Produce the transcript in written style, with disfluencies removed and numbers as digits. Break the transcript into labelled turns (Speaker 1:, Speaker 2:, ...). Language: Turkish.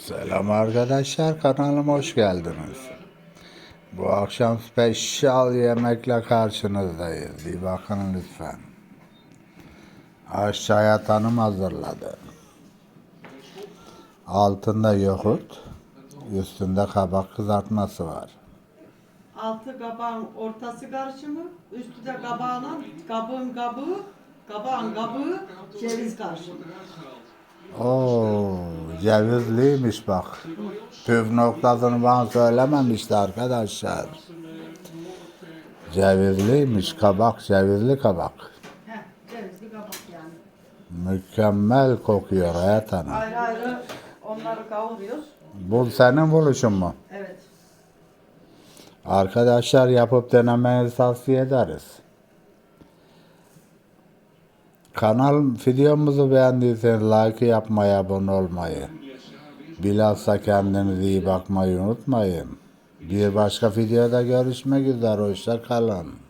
Speaker 1: Selam arkadaşlar, kanalıma hoş geldiniz. Bu akşam spesyal yemekle karşınızdayız. Bir bakın lütfen. Aşağıya tanım hazırladı. Altında yoğurt, üstünde kabak kızartması var.
Speaker 2: Altı kabağın ortası karışımı, üstü de kabağın kabuğu, ceviz karışımı.
Speaker 1: Oo, cevizliymiş bak. Püf noktasını bana söylememişti arkadaşlar. Cevizliymiş kabak, cevizli kabak.
Speaker 2: Heh, cevizli kabak yani.
Speaker 1: Mükemmel kokuyor Hayat Hanım.
Speaker 2: Ayrı ayrı onları kavuruyoruz.
Speaker 1: Bu senin buluşun mu?
Speaker 2: Evet.
Speaker 1: Arkadaşlar yapıp denemenizi tavsiye ederiz. Kanal videomuzu beğendiyseniz like yapmayı, abone olmayı, bilhassa kendinize iyi bakmayı unutmayın. Bir başka videoda görüşmek üzere, hoşça kalın.